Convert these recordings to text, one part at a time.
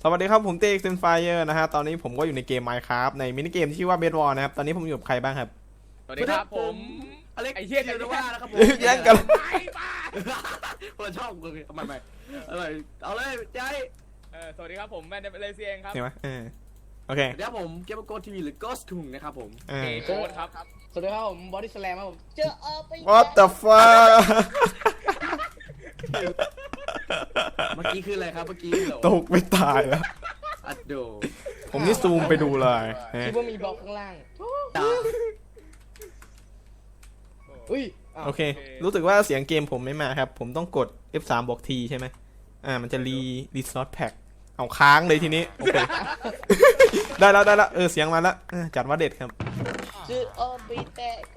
สวัสดีครับผมเต้เซนไฟเออร์นะฮะตอนนี้ผมก็อยู่ในเกม Minecraft ในมินิเกมที่ชื่อว่า Bed War นะครับตอนนี้ผมอยู่กับใครบ้างครับสวัสดีครับผมอเล็กไอเฮียเดียวนะว่านะครับผมแย่งกันไอ้บ้าคนละช่องกูทำไมอะไรเอาเลยใจสวัสดีครับผมแมนเดเลเซียงครับเห็นไหมโอเคเดี๋ยวผมเกมโกทีวีหรือ Ghost คุงนะครับผมเอโค้ดครับสวัสดีครับผมบอดี้สแลมครับผมเจอไป What the fuck เมื่อกี้คืออะไรครับเมื่อกี้เหรอตกไม่ตายแล้วอัดโดผมนี่ซูมไปดูเลยฮะคิดว่ามีบล็อกข้างล่างตาอุ้ยโอเค รู้สึกว่าเสียงเกมผมไม่มาครับ ผมต้องกด F3 บวก T ใช่ไหมมันจะรีซอสแพ็กเอาค้างเลยทีนี้โอเค ได้แล้วเสียงมาแล้วจัดว่าเด็ดครับเจอไปแต่ก็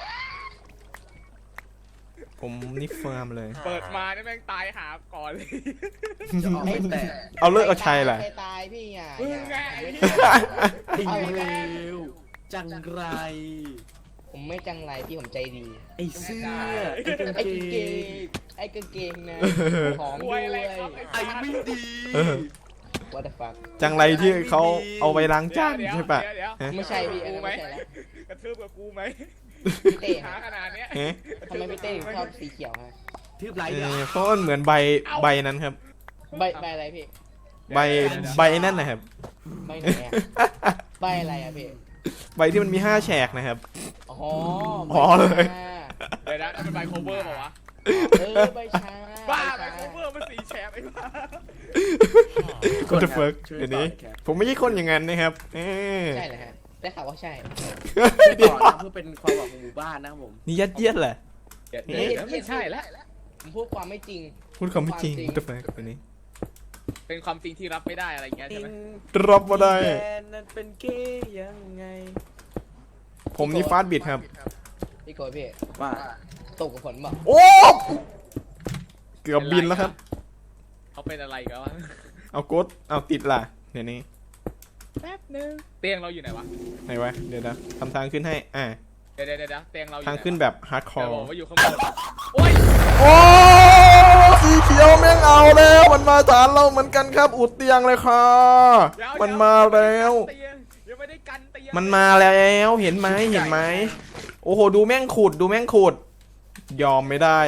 ผมนี่เฟิร์มเลยเปิดมาเนี่ยแม่งตายหาก่อนเลยจะออกไม่แต่เอาเลิกเอาชัยแหละตายพี่อ่ะมึงไงไอ้เร็วจังไรผมไม่จังไรพี่ผมใจดีไอ้เสื้อไอ้กางไอ้เกกางเกงงไอ้กางเกงนะหอมป่ด้ววย ยอะไรครับไอ้ไม่ดี What the fuck จังไรที่เขาเอาไปล้างจานใช่ปะเดี๋ยวฮะไม่ใช่พี่อันกูนั้นไหมไม่ใช่แล้วกระทืบกับกูไหมพี่เต้หาขนาดเนี้ยฮะทำไมพี่เต้ถึงชอบสีเขียวฮะทืบไรเหรอเพราะมันเหมือนใบนั้นครับใบอะไรพี่ใบนั่นนะครับใบไหนอ่ะใบอะไรอ่ะพี่ใบที่มันมี5แฉกนะครับอ๋ออ๋อเลยเดี๋ยวนะเป็นใบโคเวอร์เปล่าวะใบชาบ้าใบโคเวอร์มันสีแฉกไอ้บ้าก็จะเฟิร์กเดี๋ยวนี้ ผมไม่ใช่คนอย่างนั้นนะครับใช่เหรอฮะได้ข่าวว่าใช่ต่อนะเพื่อเป็นความหวังของหมู่บ้านนะครับผมนี่ยัดเยียดแหละเดี๋ยวไม่ใช่แล้วผมพูดความไม่จริงพูดคำไม่จริงก็เฟิร์กเดี๋ยวนี้เป็นความจริงที่รับไม่ได้อะไรเงี้ยใช่ไหมรับมาได้แฟนนั้นเป็นเกย์ยังไงผมนี่ฟาสต์บิดครับพี่โกยพี่ว่าตกกับฝนบอกโอ้เกือบบินแล้วครับเขาเป็นอะไรกันวะเอากดเอาติดล่ะเดี๋ยวนี้แป๊บนึงเตียงเราอยู่ไหนวะไหนวะเดี๋ยวนะทำทางขึ้นให้เดี๋ยวเตียงเราอยู่ทางขึ้นแบบฮาร์ดคอเดี๋ยวร์บอกว่าอยู่ข้างบนโอ้ยโอ้สีเขียวแม่งเอาแล้วมันมาฐานเราเหมือนกันครับอุดเตียงเลยค่ะมันมาแล้วยังไม่ได้กันเตียงมันมาแล้วเห็นไหมโอ้โหดูแม่งขุดยอมไม่ได้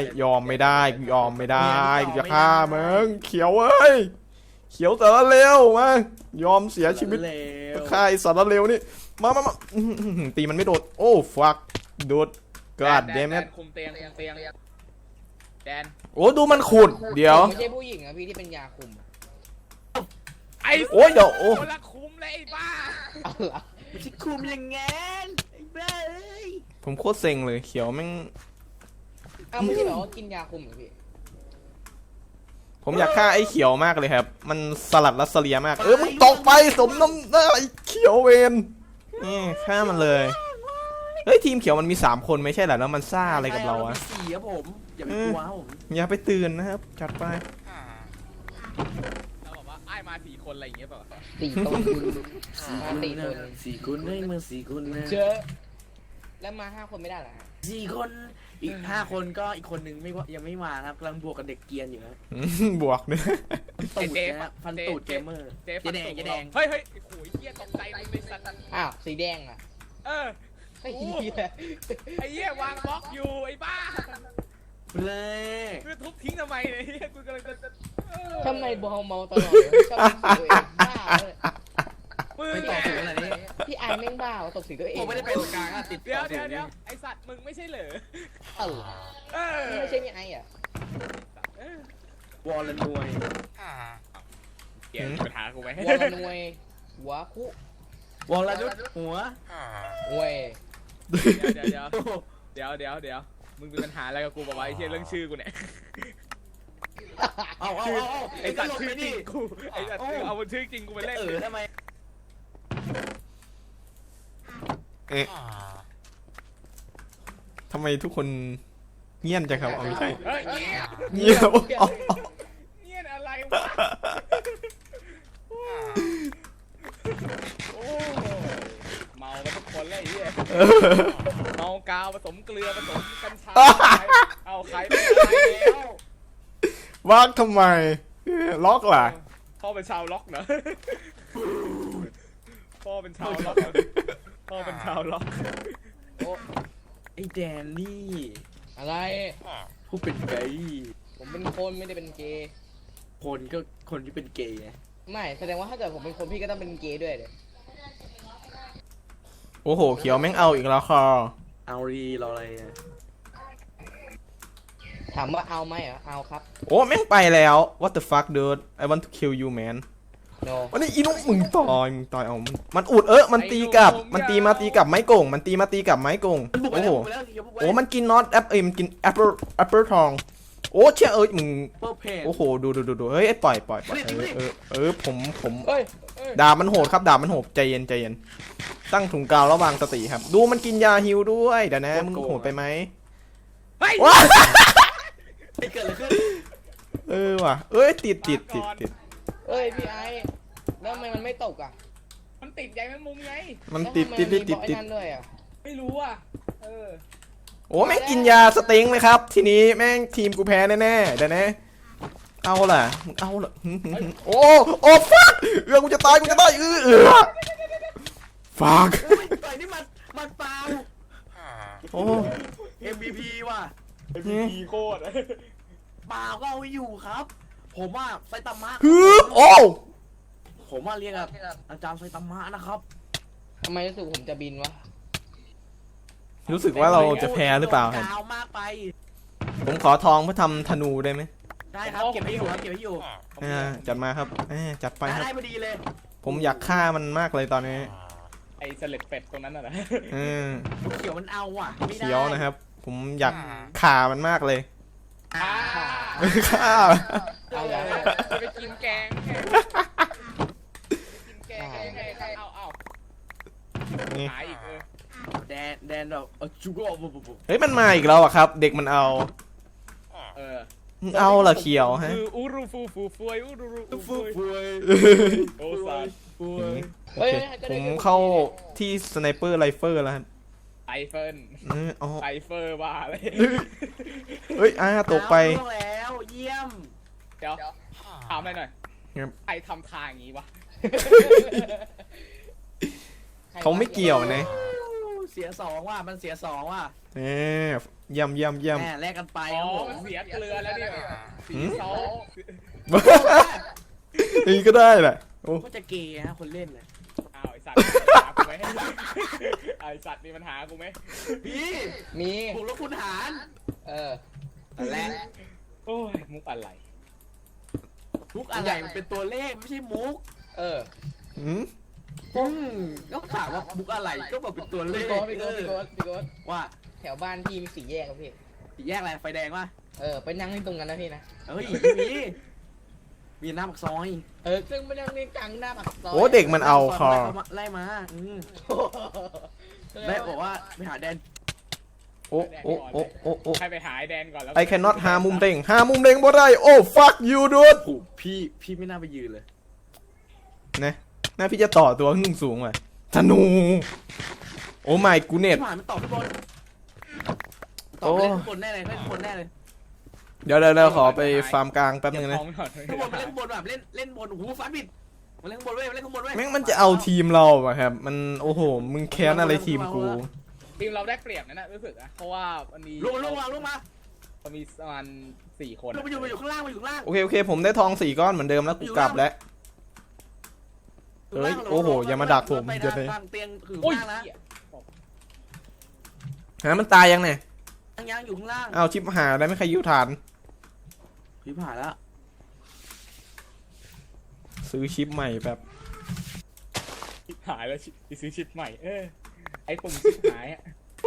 กูจะฆ่ามึงเขียวเอ้ยเขียวสารเลวมายอมเสียชีวิตเลวฆ่าไอ้สารเลวนี่มาตีมันไม่โดดโอ้ฟักโดดกาดเดมแดเน็นคุมเตียงแดนโอ้ดูมันขุดเดี๋ยวไม่ใช่ผู้หญิงอะพี่ที่เป็นยาคุมไอ้โอ้ยเดี๋ยวโอ้คนละคุมเลยไอ้บ้าเอาล่ะไม่ใช่คุมอย่างงั้นไอ้บ้าเอ้ยผมโคตรเซ็งเลยเขียวแม่งเอาไม่ใช่แบบว่ากินยาคุมเหรอพี่ผมอยากฆ่าไอ้เขียวมากเลยครับ มันสลัดรัสเลียมากมึงตกไปสมน้ำหน้าไอ้เขียวเวนนี่ฆ่ามันเลยเฮ้ยทีมเขียวมันมี3คนไม่ใช่เหรอแล้วมันซ่าอะไรกับเราอะสี่ครับผมอย่าไปกลัวครับผมอย่าไปตื่นนะครับจัดไปแล้วบอกว่าไอ้มา4 คนอะไรอย่างเงี้ยเปล่าสี่ต้นมาสี่คนสี่คนได้มาสี่คนนะเจอแล้วมา5 คนไม่ได้เหรอฮะสี่คนอีก5 คนก็อีกคนนึงไม่ว่ายังไม่มาครับกำลังบวกกับเด็กเกียนอยู่ครับบวกเนี่ยตูดนะฟันตูดเกมเมอร์เจ๊เจ๊แดงเจ๊แดงเฮ้ยโอ้ยเหี้ยตกใจเลยในสัตว์อ้าวสีแดงอะไอ้ไอ้เหี้ยเหี้ยวางบล็อกอยู่ไอ้บ้าเลยคือทุบทิ้งทำไมเนี่ยเหี้ยกูกำลังจะทำไมบอลเมาตลอดเลยชอบตกสีตัวเองบ้าเลยมึงไม่ต่อถึงอะไรนี่พี่ไอ้แม่งบ้าว่าตกสีตัวเองผมไม่ได้เป็นกลางอะติดเดี๋ยวไอสัตว์มึงไม่ใช่เหรอเออไม่ใช่พี่ไอ้อะวอลเลนวยเกี่ยวปัญหากูไหมวอลนวยหัวคุวอลนุษหัวเว้ยเดี๋ยวมึงมีปัญหาอะไรกับกูบอกว่าไอ้เชี่ยเรื่องชื่อกูเนี่ยเอาไอสัตว์ชื่อจริงกูไอสัตว์เอาบนชื่อจริงกูไปเล่นทำไมทำไมทุกคนเงียบจังครับเอาไม่ใช่เฮ้ยเงียบเนี่ยอะไรวะโอ้เมากันทุกคนเลยไอ้เหี้ยเมากาวผสมเกลือผสมกัญชาเอาใครไปแล้ววากทำไมล็อกล่ะพ่อเป็นชาวล็อกเหรอพ่อเป็นชาวล็อกเหรอพ่อเป็นชาวล็อกโอ้ไอ้แดนนี่อะไรผู้เป็นเกย์ผมเป็นคนไม่ได้เป็นเกย์คนก็คนที่เป็นเกย์ไงไม่แสดงว่าถ้าเกิดผมเป็นคนพี่ก็ต้องเป็นเกย์ด้วยเลยโอ้โหเขียวแม่งเอาอีกแล้วค่ะเอารีเราอะไรอะถามว่าเอาไหมเหรอเอาครับโอ้แม่งไปแล้ว what the fuck dude I want to kill you man no วันนี้อีนุ๊กมึงต่อยเอามันอุดมันตีกลับมันตีมาตีกลับไม้โก่งมันตีมาตีกลับไม้โก่งมันบุกไปโอ้โหแล้วเดี๋ยวบุกไปโอ้มันกินน็อตแอปมันกินแอปเปิลทองโอ้เชี่ยมึงเปิดเพจโอ้โหดูเฮ้ยปล่อยผมเฮ้ยดาบมันโหดครับดาบมันโหดใจเย็นตั้งถุงกาวระวางสติครับดูมันกินยาฮิวด้วยเดี๋ยวนะมึงโหดไปไหมเฮ้ยว้าไม่เกิดอะไรขึ้นว่ะเอ้ยติดเอ้ยพี่ไอ้แล้วทำไมมันไม่ตกอ่ะมันติดใยแมงมุมไงมันติดแล้วทำไมมันมีบล็อกไอ้นั่นด้วยอ่ะไม่รู้อ่ะโอ้แม่งกินยาสเต็งเลยครับ ทีนี้แม่งทีมกูแพ้แน่ๆเดี๋ยวนะเอาล่ะโอ้ฟักกูจะตายฟักต่อยนี่มันเปล่าโอ้ MVP ว่ะ MVP โคตรเปล่าก็เอาไว้อยู่ครับ ผมว่าไซตามะโอ้ผมว่าเรียกอาจารย์ไซตามะนะครับทำไมรู้สึกผมจะบินวะรู้สึกว่าเราจะแพ้หรือเปล่าครับยาวมากไปผมขอทองเพื่อทำธนูได้ไหมได้ครับเก็บไว้อยู่ครับเก็บไว้อยู่จัดมาครับจัดไปครับได้พอดีเลยผมอยากฆ่ามันมากเลยตอนนี้ไอ้เสล็ดเป็ดตรงนั้นน่ะนะเขียวมันเอาอ่ะไม่ได้เขียวนะครับ ผมอยากฆ่ามันมากเลย ฆ่าเอาอย่างไปกินแกงเอานี่หายอีกแดนแบบจูโก้ปุ๊บเฮ้ยมันมาอีกแล้วอะครับ เด็กมันเอา เอาละเขียวฮะคืออูรูฟูฟวยอูรูฟูฟวยโอซานโอเคผมเข้าที่สไนเปอร์ไรเฟิลแล้วครับไอเฟิลอ๋อไอเฟอร์ว่าอะไรเฮ้ยตกไปแล้วเยี่ยมเดี๋ยวถามหน่อยครับใครทำทางอย่างนี้วะเขาไม่เกี่ยวนะเสียสองว่ะมันเสียสองว่ะย่ำแหมแลกกันไปอ๋ครับอผมมันเสียเกลือแล้วเนี่ยสีซอสนี่ก็ได้แหละโอ้ก็จะเกย์ฮะคนเล่นเลยอ้าวไอสัตว์หากูไหมไอสัตว์มีปัญหากูไหมพี่มีผมแล้วคุณหารและโอ้ยมุกอะไรมุกอะไรมันเป็นตัวเลขไม่ใช่มุกหืมก็ถามว่ามุกอะไรก็บอกเป็นตัวเลพี่ขโก๊ตว่าแถวบ้านพี่มีสี่แยกครับพี่สี่แยกอะไรไฟแดงวะไปนั่งที่ตรงกันนะพี่นะเฮ้ยมีหน้าปากซอยซึ่งไม่นั่งนี่กลางหน้าปากซอยโอ้เด็กมันเอาคอไล่มาได้บอกว่าไปหาแดนโอ้ใครไปหาไอแดนก่อนแล้ว I cannot หามุมเด้งบ่ได้โอ้ fuck you dude โอ้พี่ไม่น่าไปยืนเลยนะน่าพี่จะต่อตัวขึ้นสูงว่ะธนูโอ้ my กูเน็ตผ่านมันตอบทุกคนตอบเล่นคนแน่เลยเล่นคนแน่เลยเดี๋ยวขอไปฟาร์มกลางแป๊บนึงนะข้างบนเล่นบนแบบเล่นบนโอ้โหฟันบิดมาเล่นข้างบนเว้ยมาเล่นข้างบนเว้ยแม่งมันจะเอาทีมเราอะครับ มันโอ้โหมึงแค้นอะไรทีมกูทีมเราได้เปรียบนะรู้สึกนะเพราะว่ามันมีลงมามันมีประมาณ4 คนลงมาอยู่ข้างล่างมาอยู่ข้างล่างโอเคผมได้ทอง4 ก้อนเหมือนเดิมแล้วกูกลับแล้วเอ้ยโอ้โหอย่ามาดักผมจะได้เตียงถึงโอ้ยล่างนะมันตายยังเนี่ยยังอยู่ข้างล่างเอาชิปหาได้ไม่ใครยิ้วฐานพี่ผ่านแล้วซื้อชิปใหม่แบบหายแล้วซื้อชิปใหม่ไอ้ปุ่มชิปหายอ่ะ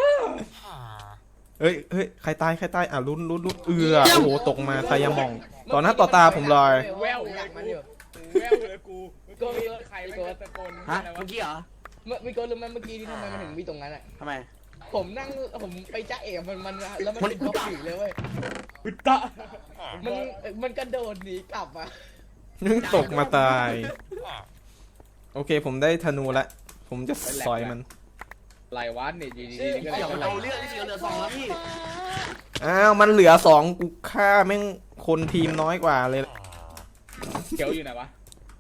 เฮ้ยใครตายลุ้นโอ้โหตกมาทายามองต่อหน้าต่อตาผมเลยแววอยากมันอยู่เลยกูใครไม่ตะโกนฮะอะไรวะเมื่อกี้เหรอมีโก๊ตรู้ไหมเมื่อกี้นี่ทำไมมันถึงมีตรงนั้นอ่ะทำไมผมไปจ้าเอ๋มันแล้วมันติดบล็อกอยู่เลยเว้ยอุตตะมันกระโดดหนีกลับอ่ะนึงตกมาตายโอเคผมได้ธนูละผมจะสอยมันลายวัดเนี่ยดีๆก็เดี๋ยวมันเลยเอาเรื่องที่เหลือ2แล้วพี่อ้าวมันเหลือ2กูฆ่าแม่งคนทีมน้อยกว่าเลยเขียวอยู่ไหนวะ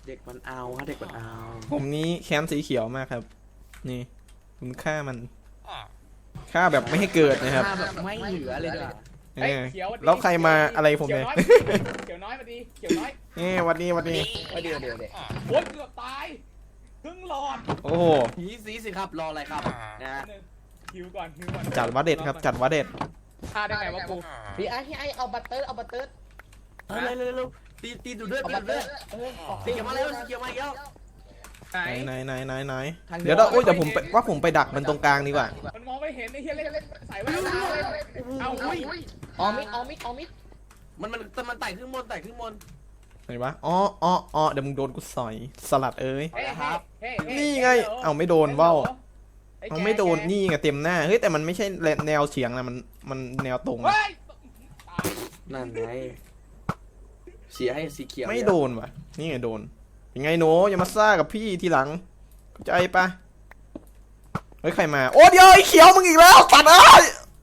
เด็กมันเอาฮะเด็กมันเอาผมนี้แค้นสีเขียวมากครับ นี่คุณฆ่ามันฆ่าแบบไม่ให้เกิดนะครับหน้าแบบไม่เหลือเลยด้วยเอเฮ้ยอเขียวสสดีแล้วใครมาอะไรผมเนี่ยเขียวน้อยมาดีเขียวน้อยนี่หวันนี้เดี๋ยวโอ๊ยเกือบตายครึ่งหลอดโอ้โหสีสิครับรออะไรครับนะหนึ่งหิวก่อนหิวก่อนจัดวัดเด็ดครับ จัดวัดเด็ดฆ่าได้ไงวะกูพี่ไอ้เอาบัตเตอร์เร็วตีดูด้วยเอาตีบัตดูเตอด้วยร์สีเขียวมาแล้วสีเขียวมาอีกแล้วไหนไหนเดี๋ยวโอ้ยเดี๋ยวผมว่าผมไปดักมันตรงกลางดีกว่ามันมองไม่เห็นไอ้เหี้ยเล่นใส่ไว้เอาเลยเอาอุ้ยออมิดมันไต่ขึ้นบนไต่ขึ้นบนไหนวะอ๋อเดี๋ยวมึงโดนกูสอยสลัดเอ้ยเฮ้ยนี่ไงเอาไม่โดนว่าวเอาไม่โดนนี่ไงเต็มหน้าเฮ้ยแต่มันไม่ใช่แนวเฉียงนะมันแนวตรงเฮ้ยนั่นไงเสียให้สีเขียวไม่โดนว่ะนี่ไงโดนยังไงโหนอย่ามาซ่ากับพี่ทีหลังเข้าใจปะเฮ้ยใครมาโอ้เดี๋ยวไอ้เขียวมึงอีกแล้วตัดเอ้ย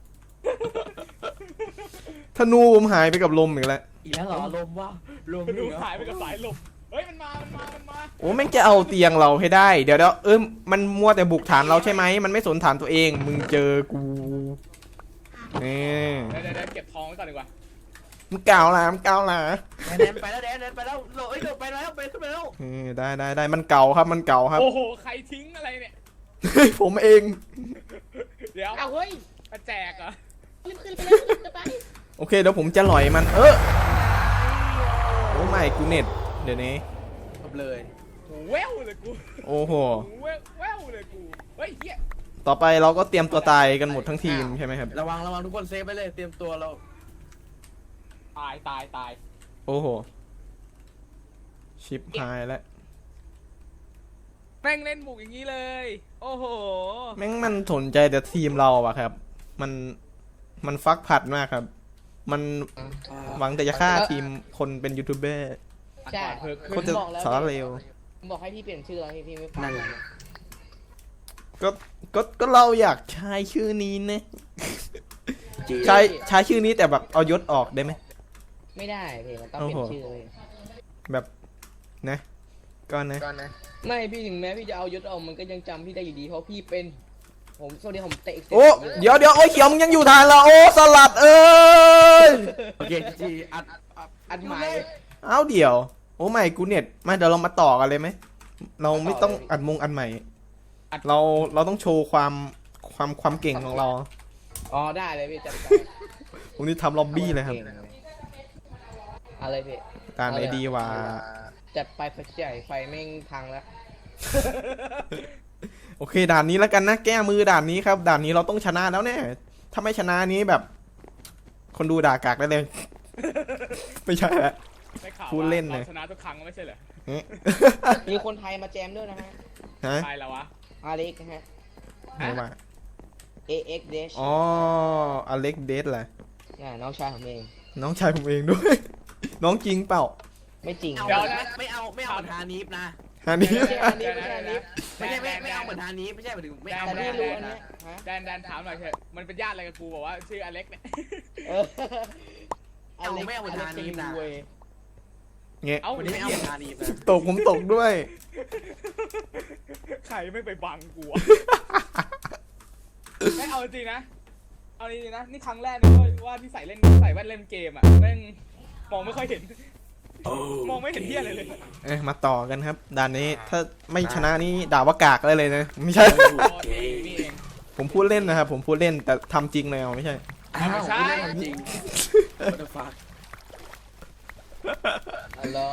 ธนูผมหายไปกับลมอีกแล้วอีกแล้วเหรอลมว่าลมดูหายไปกับสายลมเฮ้ยมันมาโอ้แม่งจะเอาเตียงเราให้ได้เดี๋ยวมันมัวแต่บุกฐานเราใช่ไหมมันไม่สนฐานตัวเองมึงเจอกูนี่เดี๋ยวเก็บทองไว้ก่อนดีกว่ามึงกล่าวล่ะแดนไปแล้วแดนไปแล้วโหลเอ้ยเดินไปแล้วไปขึ้นไปแล้วได้มันเก่าครับมันเก่าครับโอ้โหใครทิ้งอะไรเนี่ยผมเองเดี๋ยวเอาเฮ้ยมาแจกเหรอรีบขึ้นไปแล้วขึ้นไปโอเคเดี๋ยวผมจะหล่อยมันโอ้ไม่กูเน็ตเดี๋ยวนี้จบเลยแววเลยกูโอ้โหแววเลยกูเฮ้ยเหี้ยต่อไปเราก็เตรียมตัวตายกันหมดทั้งทีมใช่ไหมครับระวังทุกคนเซฟไปเลยเตรียมตัวเราตายโอ้โหชิปหายแล้วแม่งเล่นบุกอย่างนี้เลย โอ้โหแม่งมันสนใจแต่ทีมเราอะครับ มันฟักผัดมากครับ มันหวังแต่จะฆ่าทีมคนเป็นยูทูบเบอร์ใช่โคตรจะสารเลวบอกให้พี่เปลี่ยนชื่อแล้วพี่ไม่ฟังนั่นไงก็เราอยากใช้ชื่อนี้นะใช้ชื่อนี้แต่แบบเอายศออกได้ไหมไม่ได้พี่มันต้องเปลี่ยนชื่อเลยแบบนะก็นะไม่พี่ถึงแม้พี่จะเอายศออกมันก็ยังจำพี่ได้อยู่ดีเพราะพี่เป็นผมสวัสดีผมเตะโอ้เดี๋ยวโอ้ยเขียวมึงยังอยู่ทานละโอ้สลัดเอ้ยโอเคจีอัดใหม่เอาเดี๋ยวโอ้ไม่กูเน็ตมาเดี๋ยวเรามาต่อกันเลยไหมเราไม่ต้องอัดใหม่เราต้องโชว์ความเก่งของเราอ๋อได้เลยพี่จัดไปผมนี่ทำล็อบบี้เลยครับอะไรพี่การไอดีว่าจัดไปไฟใหญ่ไฟแม่งพังแล้วโอเคด่านนี้แล้วกันนะแก้มือด่านนี้ครับด่านนี้เราต้องชนะแล้วแน่ถ้าไม่ชนะนี้แบบ คนดูด่ากากได้เลย ไม่ใช่ละได้ข่าวพูดเล่นเลยราชนะทุกครั้งไม่ใช่เหรอมีคนไทยมาแจมด้วยนะฮะฮะใครแล้ววะอาเล็กนะฮะไม่ว่า AX Dash อ๋ออเล็กเดสแหละน้องชายผมเองน้องชายผมเองด้วย น้องจริงเปล่าไม่จริงไม่เอาเหมือนฮานิฟนะฮานี้ไม่ใช่อันนี้ไม่ใช่อันนี้ไม่เอาเหมือนฮานิฟไม่ใช่หมายถึงไม่เอาแต่พี่รู้อันเนี้ยฮะแดนถามหน่อยเถอะมันเป็นญาติอะไรกับกูบอกว่าชื่ออเล็กเนี่ยเออไม่เอาทานีนะเงี้ยเอ้าวันนี้ไม่เอาเหมือนฮานิฟนะผมตกด้วยใครไม่ไปบังกูอะไม่เอาจริงนะเอาจริงนะนี่ครั้งแรกนะว่าที่ใส่แว่นเล่นเกมอ่ะแม่งมองไม่ค่อยเห็นมองไม่เห็นเหี้ยอะไรเลยมาต่อกันครับด่านนี้ถ้าไม่ชนะนี่ด่าว่ากากได้เลยนะไม่ใช่นี่เองผมพูดเล่นนะครับผมพูดเล่นแต่ทำจริงเลยเอาไม่ใช่ไม่ใช่จริง What the fuck ฮัลโหล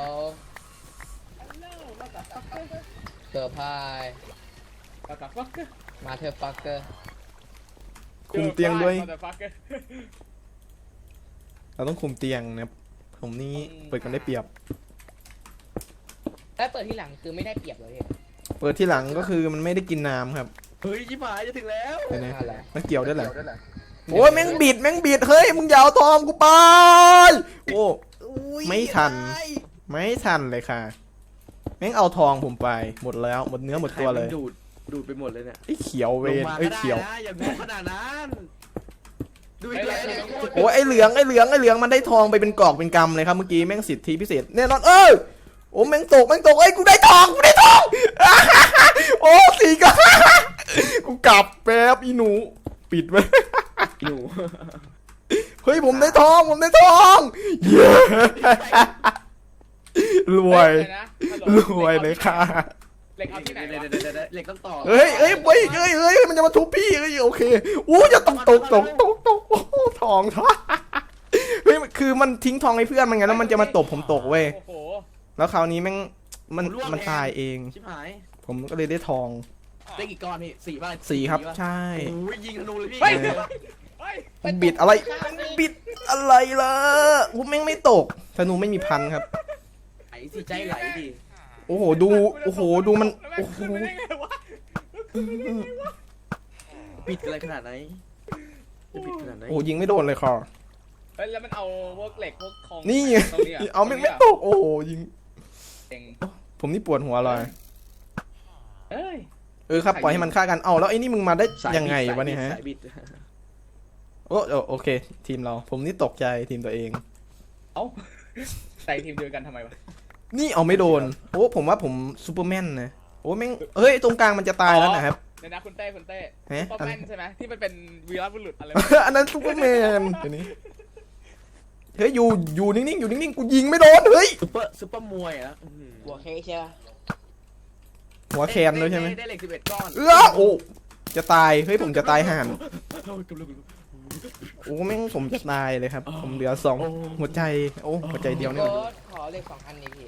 เซอร์ไพรส์แต่ฟักเกอร์มาเธอฟักเกอร์คุมเตียงด้วยแต่ฟักเกอร์เราต้องคุมเตียงนะครับผมนี่เปิดกันได้เปรียบถ้าเปิดที่หลังคือไม่ได้เปรียบเลยเปิดที่หลังก็คือมันไม่ได้กินน้ำครับเฮ้ยชิบหายจะถึงแล้วเห็นไหมอะไรมันเกี่ยวด้วยเหรอโอ้ยแม่งบิดเฮ้ยมึงอย่าเอาทองกูไปโอ้ไม่ทันเลยค่ะแม่งเอาทองผมไปหมดแล้วหมดเนื้อหมดตัวเลยดูดไปหมดเลยเนี่ยไอ้เขียวเวลงนมาไอ้ก็ได้เขียวนะอย่างงขนาดนั้นดูอีกแล้วโอ้ยไอ้เหลืองมันได้ทองไปเป็นกอกเป็นกำเลยครับเมื่อกี้แม่งสิทธิพิเศษแน่นอนโอ้แม่งตกเอ้ยกูได้ทองโอ้สี่ก็กูกลับแป๊บอีหนูปิดไว้อยู่เฮ้ยผมได้ทองเย้รวยเลยนะฮัลโหลรวยเลยค่ะเหล็กเอาที่ไหนวะเดี๋ยวเหล็กต้องต่อเฮ้ยมันจะมาทุบพี่เฮ้ยโอเคอู้จะตกโอ้โหทองเฮ้ยคือมันทิ้งทองให้เพื่อนมันไงแล้วมันจะมาตบผมตกเว้ยโอ้โหแล้วคราวนี้แม่งมันตายเองชิบหายผมก็เลยได้ทองได้กี่ก้อนพี่4ป่ะ 4ครับป่ะใช่โอ้ยยิงธนูเลยพี่เฮ้ยเฮ้ยบิดอะไรล่ะกูแม่งไม่ตกธนูไม่มีพันครับไหลสิใจไหลดิโอ้โหดูมันแล้วโอ้แม่งโหขึ้นไปได้ไงวะปิดอะไรขนาดไหนจะปิดขนาดไหนโอ้ยิงไม่โดนเลยคอเฮ้ยแล้วมันเอาพวกเหล็กพวกทองนี่ไงตรงนี้ะเอาแม่งไม่ตกโอ้โหยิงเองผมนี่ปวดหัวเลยเอ้ยครับปล่อยให้มันฆ่ากันเอาแล้วไอ้นี่มึงมาได้ยังไงวะเนี่ยฮะสายบิดโอเค ทีมเราผมนี่ตกใจทีมตัวเองเอ้าใส่ทีมเดียวกันทำไมวะนี่เอาไม่โดนโอ้ผมว่าผมซูเปอร์แมนนะโอ้แม่งเฮ้ยตรงกลางมันจะตายแล้วนะครับเดี๋ยวนะคุณเต้ฮะซุปเปอร์แมนใช่ไหมที่มันเป็นวีรบุรุษอะไรอันนั้นซูเปอร์แมนเดี๋ยวนี้เฮ้ยอยู่นิ่งๆกูยิงไม่โดนเฮ้ยซุปเปอร์มวยอ่ะหัวเค้กใช่ปะหัวแคนด้วยใช่ไหมได้เหล็ก11ก้อนโอ้จะตายเฮ้ยผมจะตายห่านโอ้แม่งผมจะตายเลยครับ ผมเหลือ2หัวใจโอ้หัวใจเดียวนี่โกหว่าดขอเลข2 อันนี้พี่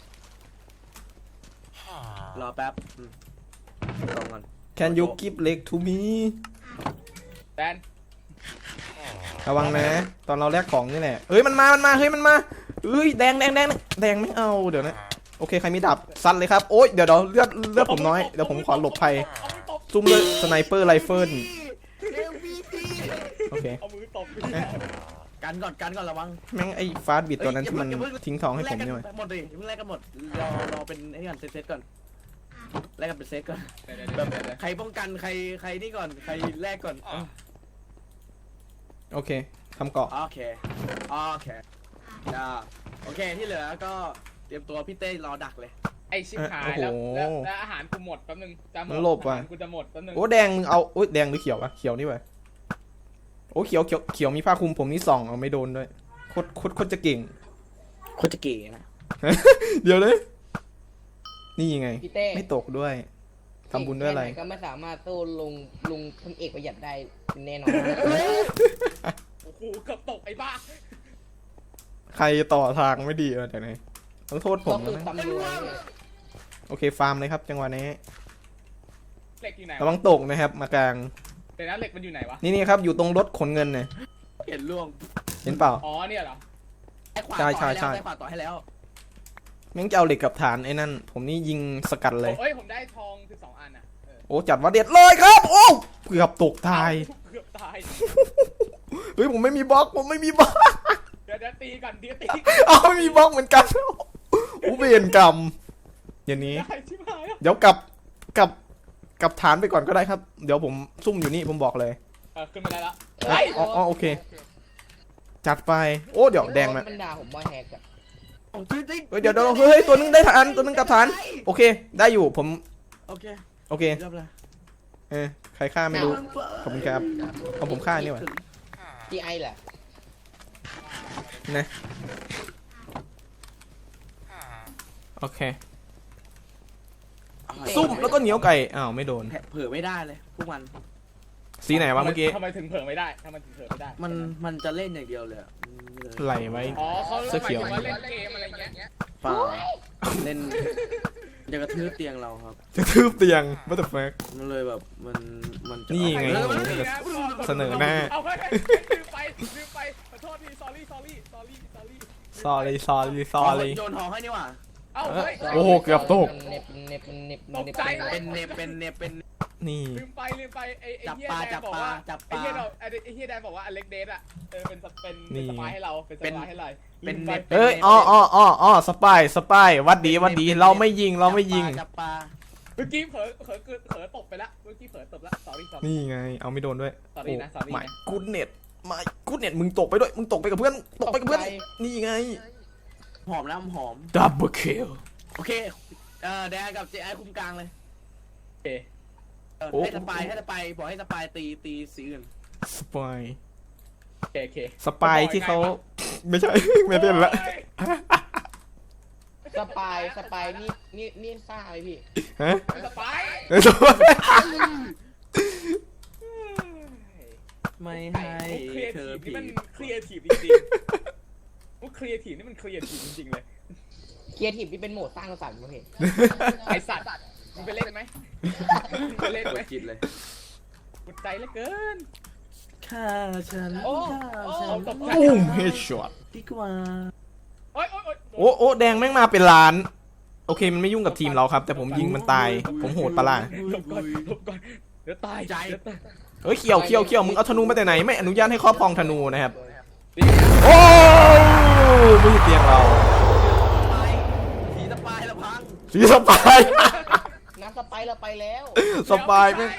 รอแป๊บลองก่อน Can you give leg to me แดนระวังนะ ตอนเราแลกของนี่แหละเฮ้ยมันมาเฮ้ยมันมาเฮ้ยแดงไม่เอาเดี๋ยวนะโอเคใครมีดาบซัดเลยครับโอ๊ยเดี๋ยวเลือดผมน้อยเดี๋ยวผมขอหลบภัยเอามือตบซุ่มเลยสไนเปอร์ไรเฟิลโอเคเอามือตบกันก่อนระวังแม่งไอ้ฟาสบิดตัวนั้นที่มันทิ้งทองให้ผมใช่ไหมหมดดิเพิ่งแลกกันหมดรอเป็นไอ้ก่อนเซตก่อนแลกกันเป็นเซตก่อนเดี๋ยวใครป้องกันใครนี่ก่อนใครแลกก่อนโอเคทำเกาะโอเคโอเคที่เหลือก็เตรียมตัวพี่เต้รอดักเลยไอชิบหายแล้วอาหารกูหมดแป๊บนึงจะหมดมันหลบว่ะอาหารกูจะหมดแป๊บนึงโอ้แดงมึงเอาโอ้ยแดงหรือเขียววะเขียวนี่วะโอ้เขียวมีผ้าคลุมผมนี่ส่องเอาไม่โดนด้วยโคตรจะเก่งโคตรจะเก๋นะเดี๋ยวเลยนี่ไงพี่เต้ไม่ตกด้วยทำบุญด้วยอะไรแค่หนก็ไม่สามารถสู้ลุงพลเอกประหยัดได้แน่นอนโอ้โหเกือบตกไอ้บ้าใครต่อทางไม่ดีเดี๋ยวไหนต้องโทษผก็มคือนะตำรวจเนี่ยโอเคฟาร์มเลยครับจังหวะนี้เหล็กอยู่ไหนระวังตกนะครับมากลางเดี๋ยวนะเหล็กมันอยู่ไหนวะนี่ครับอยู่ตรงรถขนเงินเนี่ยเห็นล่วงเห็นเปล่าอ๋อเนี่ยเหรอไอ้ขวาใช่ต่อให้ใช่แล้วไอ้ขวาต่อให้แล้วแม่งจะเอาเหล็กกับฐานไอ้นั่นผมนี่ยิงสกัดเลยเอ้ยผมได้ทอง12 อันอ่ะโอ้จัดว่าเด็ดเลยครับ โอ้เกือบตกตายเกือบตายเฮ้ยผมไม่มีบล็อกผมไม่มีบล็อกเดี๋ยวตีกันเดี๋ยวตีเอาไม่มีบล็อกเหมือนกันอุเบนกรรมอย่างนี้ได้ชิบหายแล้วเดี๋ยวกลับฐานไปก่อนก็ได้ครับ เดี๋ยวผมซุ่มอยู่นี่ผมบอกเลยขึ้นมาได้แล้วอ๋อโอเค จัดไปโอ้เดี๋ยวแดงมามันด่าผมว่าแฮกอะโอ้ยเฮ้ยเดี๋ยวเฮ้ยตัวนึงได้ฐานตัวนึงกลับฐานโอเค ได้อยู่ผมโอเคโอเคเรียบร้อยใครฆ่าไม่รู้ขอบคุณครับเอาผมฆ่านี่หว่าพี่ไอแหละนะโอเคซุ่มแล้วก็เหนียวไก่อ้าวไม่โดนเผื่อไม่ได้เลยพวกมันสีไหนวะเมื่อกี้ทำไมถึงเผลอไม่ได้ทำไมถึงเผลอไม่ได้มันจะเล่นอย่างเดียวเลยอะไหลไว้อ๋อเขาเสื้อเขียวหมายถึงว่าเล่นเกมอะไรเงี้ยเปล่าเล่นจะกระทืบเตียงเราครับจะทืบเตียง what the fuck มันเลยแบบมันจะนี่ไงเออโอ้มันโหเสนอหน้าเอาไปลืมไปขอโทษที sorry โยนทองให้นี่หว่าเอาเฮ้ยโอ้โหเกือบตกเน็บตกใจเป็นเนบเป็นนี่ลืมไปไอ้จับเฮียปลาแดจันบบอกปลาว่าจับปไอ้ลาเฮียแดนบอกว่าอเล็กเดสอะเป็นสปายให้เราเป็นสปายให้เราเป็นลืมไปเน็บเอ้ยอ๋อสปายวัดดีเราไม่ยิงจับปลาเมื่อกี้เผลอตบไปละเมื่อกี้เผลอตบละ sorry นี่ไง เอาไม่โดนด้วย sorry นะ sorry ไม่นะกูดเน็ตมึงตกไปด้วยมึงตกไปกับเพื่อนนี่ไงหอมนะหอม double kill โอเคแดงกับเจไอคุมกลางเลยโอเคให้สปายบอกให้สปายตีสีอื่นสปายโอเคสปายที่เขาไม่ใช่ ไม่เล่นละสปายนี่ซ่าไหมพี่ฮะสปายสปายไม่ไอ้ให้ครีเอเธทีอฟนี่ผีมันครีเอทีฟจริงๆมุกครีเอทีฟนี่มันครีเอทีฟจริงๆเลยเคียร์ทีฟที่เป็นโหมดสร้างสรรค์ป่ะพี่ไอสัตว์มึงไปเล่นไหมมึงไปเล่นปไหมวดจิตเลยปวดใจเหลือเกินฆ่าฉันโอ้ตกใจปุ้มเฮดช็อตดีกว่าโอ๊ยโอ้แดงแม่งมาเป็นล้าน โอเคมันไม่ยุ่งกับทีมเราครับ แต่ผมยิงมันตาย ผมโหดปะล่ะหลบก่อนเดี๋ยวตายเฮ้ยเขียวมึงเอาธนูมาแต่ไหนไม่อนุญาตให้ครอบครองธนูนะครับ โอ้ไม่ใช่เตียงเราสีสปายละพังสีสปายน้ำสไปร์เราไปแล้วสปายแม่ง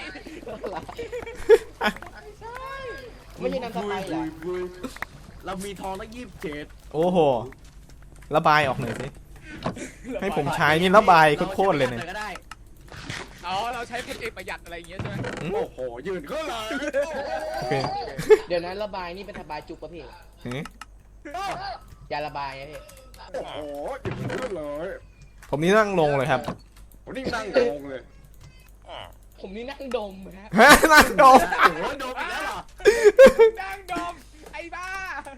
ไม่ใช่น้ำสไปร์เหรอเรามีทองตั้ง27 โอ้โหระบายออกหน่อยสิให้ผมใช้นี่ระบายโคตรๆเลยเนี่ยก็ได้อ๋อเราใช้พลเอกประหยัดอะไรอย่างเงี้ยใช่ไหมโอ้โหยืนก็เลยโอเคเดี๋ยวนั้นระบายนี่เป็นระบายจุกประเภทเฮ้ยยาระบายไงพี่โอ้โหยืนก็เลยผมนี่นั่งลงเลยครับผมนี่นั่งงงเลยผมนี่นั่งดมฮะฮะนั่งลงโอ้โหโดนอีกแล้วเหรอนั่งดมไอ้บ้า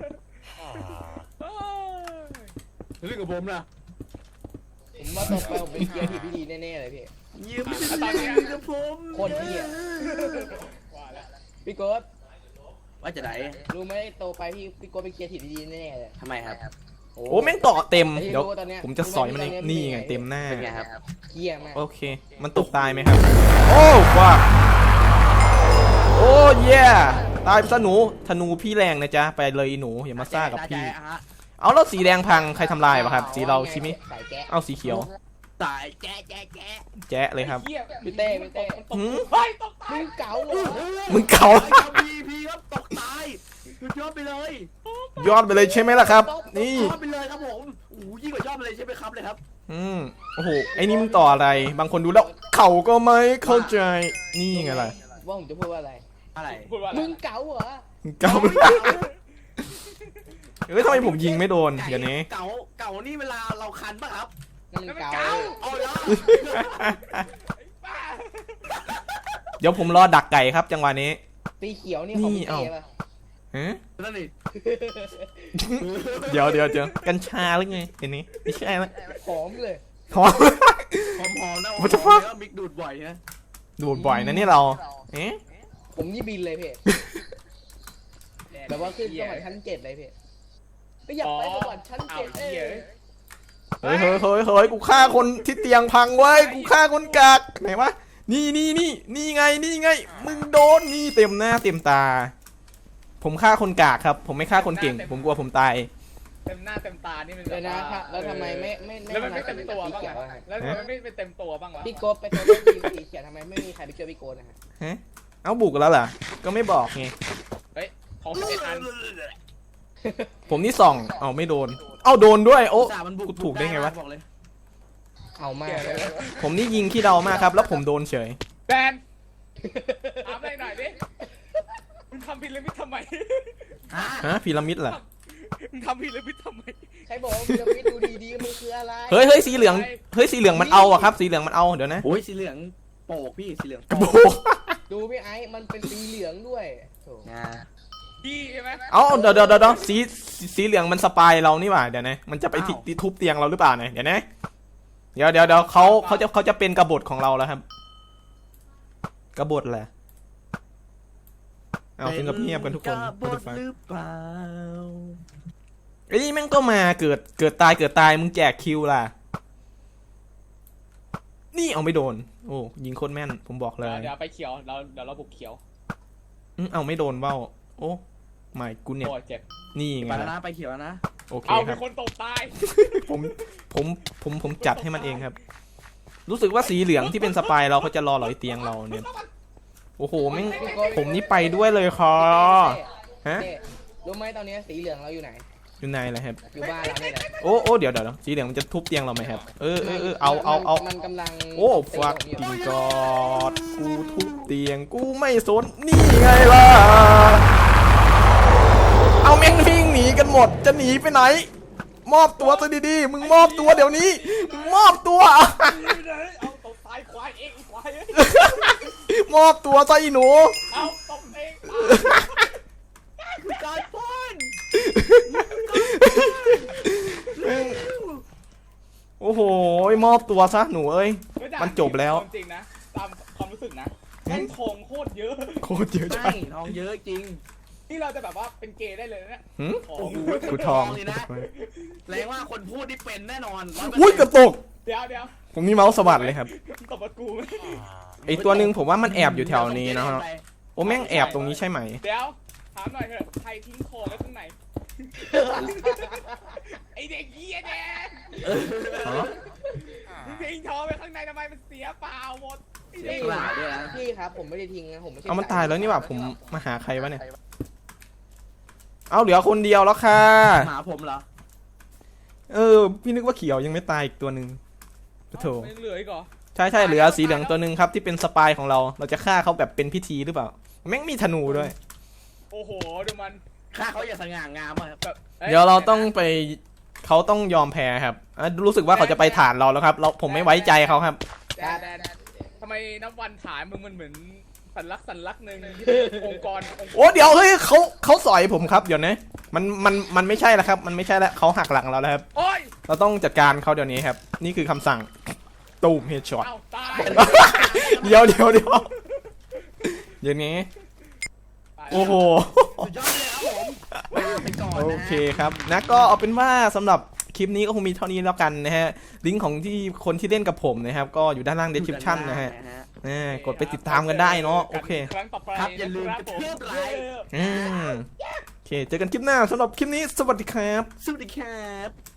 เรื่องกับผมนะผมว่าต่อไปผมเป็นเคียร์ทีฟที่ดีแน่ๆเลยพี่ยืมกับผมคนที่อ่ะว่าแล้วพี่โกดว่าจะไหนรู้ไหมโตไปพี่โกดเป็นเคียร์ทีฟที่ดีแน่ๆเลยทำไมครับโอ้แม่งเกาะเต็มไอ้เดี๋ยวรู้ตอนเนี้ยผมจะสอยมันเองนี่ไงเต็มหน้าเป็นไงครับเคียร์มากโอเค มันตกตายไหมครับ โอ้ว้าโอ้เย่ตายซะหนูธนูพี่แรงนะจ๊ะไปเลยอีหนูอย่ามาซ่ากับพี่ เอาแล้วสีแดงพังใครทำลายวะครับ สีเราใช่ไหมสายแก๊ะเอาสีเขียวตายแจ๊ะแจ๊ะเลยครับเหี้ยพี่เต้หืมเฮ้ยตกตายมึงเก๋าเหรอมึงเก่าพีครับตกตายสุดยอดไปเลยยอดไปเลยใช่ไหมล่ะครับ นี่ยอดไปเลยครับผมโอ้โหยิ่งกว่ายอดไปเลยใช่ไหมครับเลยครับโอ้โหไอ้นี่มึงต่ออะไร บางคนดูแล้วเข่าก็ไม่เข้าใจนี่ไงล่ะว่าผมจะพูดว่าอะไรอะไรพูดว่าอะไรมึงเก๋าเหรอมึงเก่าเฮ้ยทำไมผมยิงไม่โดนเดี๋ยวนี้เก่านี่เวลาเราคันป่ะครับนั่นมันเก๋าเอาละบ้าเดี๋ยวผมรอดักไก่ครับ จังหวะนี้สีเขียวนี่ของพี่นี่เอ้าเต้ป่ะฮะนั่นนี่เดี๋ยวกัญชาหรือไงเดี๋ยวนี้ไม่ใช่ละหอมเลยหอมหอมๆนะ What the fuck แล้วมิกดูดบ่อยนะดูดบ่อยนะนี่เราเอ๊ะผมนี่บินเลยพี่แบบว่าขึ้นสวรรค์ชั้น7เลยพี่ก็อยากไปสวรรค์ชั้นเอา 7 เหี้ยเฮ้ยกูฆ่าคนที่เตียงพังไว้กูฆ่าคนกากไหนวะนี่ไงมึงโดนนี่เต็มหน้าเต็มตา ผมฆ่าคนกากครับ ผมไม่ฆ่าคนเก่ง ผมกลัวผมตายเต็มหน้าเต็มตานี่มันเลยนะครับแล้วทำไมไม่แล้วมันไม่เต็มตัวสีบ้างเขียวอะอะแล้วทำไมไม่เป็นเต็มตัวบ้างวะพี่โกบไปตัวเล่นทีมสีเขียวทำไมไม่มีใครไปช่วยพี่โกนะฮะฮะเอาบุกแล้วเหรอก็ไม่บอกไงเฮ้ยของ11อันผมนี่ส่องเอาไม่โดนเอาโดนด้วยโอ้สามันบุกูถูกได้ไงวะบอกเลยเอามากเลยผมนี่ยิงขี้เดามากครับ แล้วผมโดนเฉยแบนถามอะไรหน่อยดิมึงทำพีระมิดทำไมฮะพีระมิดเหรอมึงทำพีระมิดทำไมใครบอกว่าพีระมิดดูดีๆมันคืออะไรเฮ้ยสีเหลืองสีเหลืองมันเอาอะครับ สีเหลืองมันเอาเดี๋ยวนะโอ้ยสีเหลืองโปกพี่สีเหลืองโอ้โหดูพี่ไอ้มันเป็นสีเหลืองด้วยโถ่นะพี่ใช่ไหมเอาเดี๋ยวสีเหลืองมันสปายเรานี่หว่าเดี๋ยวนะมันจะไปทุบเตียงเราหรือเปล่าเนี่ยเดี๋ยวนะเดี๋ยวเขาจะเป็นกบฏของเราแล้วครับกบฏแหละเอาถึงกับเงียบกันทุกคนบทหรือเปล่าไอ้นี่แม่งก็มาเกิดตายมึงแจกคิวล่ะนี่เอาไม่โดนโอ้ยิงโคตรแม่นผมบอกเลยเดี๋ยวไปเขียวเดี๋ยวเราบุกเขียวเอาไม่โดนเบ้าโอ้ไม่กูเนี่ยโอ้เจ็บนี่ไปไงแล้วล่ะนะไปเขียวแล้วนะโอเคเอาคเป็รับนคนตกตายผมจัดให้มันเองครับ รู้สึกว่าสีเหลืองที่เป็นสปายเราเขาจะรอหลอยเตียงเราเนี่ยโอ้โหแม่งผมนี่ไปด้วยเลยคอฮะเต้รู้ไหมตอนนี้สีเหลืองเราอยู่ไหนอยู่ไหนแหละครับอยู่บ้านเราเนี่ยแหละโอ้เดี๋ยวสีเหลืองมันจะทุบเตียงเราไหมครับเอามันกำลังโอ้ฟักกิ้งกอดกูทุบเตียงกูไม่สนนี่ไงล่ะเอาแม่งวิ่งหนีกันหมดจะหนีไปไหน มอบตัวซะดีๆมึงมอบตัวเดี๋ยวนี้มึงมอบตัวเอาตบตายควายเองควายมอบตัวซะอีหนูเอาตบเองการป้อนโอ้โหมอบตัวซะหนูเอ้ย มันจบแล้วจริงนะตามความรู้สึกนะแม่งทองโคตรเยอะโคตรเยอะจัใช่งทองเยอะจริงนี่เราจะแบบว่าเป็นเกย์ได้เลยนะหืมทอโอ้งโหกูทองเลยนะแสดงว่าคนพูดที่เป็นแน่นอน100% อุ้ยเกือบตกเดี๋ยวผมนี่เมาส์สะบัดเลยครับตบมากูไหมไอตัวหนึ่งผมว่ามันแอบอยู่แถวนี้นะฮะโอ้แม่งแอบตรงนี้ใช่ไหมเดี๋ยวถามหน่อยเถอะใครทิ้งของไว้ข้างในไอเด็กเหี้ยแดงฮะทิ้งทองไว้ข้างในทำไมมันเสียเปล่าหมดไอ้เสีเด็ยกเปล่าด้วยนะพี่ครับผมไม่ได้ทิ้งนะผมไม่ใช่เอามันตายแล้วนี่หว่าผมมาหาใครวะเนี่ย เอาเหลือคนเดียวแล้วค่ะหมาผมเหรอพี่นึกว่าเขียวยังไม่ตายอีกตัวหนึ่งโถมันยังเหลืออีกเหรอใช่เหลือสีเหลืองตัวหนึ่งครับที่เป็นสปายของเรา เราจะฆ่าเขาแบบเป็นพิธีหรือเปล่า แม่งมีธนูด้วยโอ้โหดูมันข้าเขาอย่าสง่างามอะครับแบบอ้เดี๋ยวเราต้องไปเขาต้องยอมแพ้ครับรู้สึกว่าเขาจะไปฐานเราแล้วครับผมไม่ไว้ใจเขาครับแดนทำไมนับวันฐานมึงมันเหมือนสัญลักษณ์หนึ่งที่เป็นองค์กรโอ้เดี๋ยวเฮ้ยเขาสอยผมครับเดี๋ยวนะมันไม่ใช่แล้วครับมันไม่ใช่แล้วเขาหักหลังเราแล้วครับโอ้ยเราต้องจัดการเขาเดี๋ยวนี้ครับนี่คือคำสั่งตูมเฮดช็อตเอ้าตายเดี๋ยวเดี๋ยวนี้โอ้โหสุดยอดเลยครับผมลาไปก่อนโอนะเคครับนะก็เอาเป็นว่าสำหรับคลิปนี้ก็คงมีเท่านี้แล้วกันนะฮะลิงก์ของที่คนที่เล่นกับผมนะครับก็อยู่ด้านล่าง description นะฮะกดไปติดตามกันได้เนาะโอเคครั้งต่อไปครับอย่าลืมนะกระผมทืบไลค์โอเคเจอกันคลิปหน้าสำหรับคลิปนี้สวัสดีครับสวัสดีครับ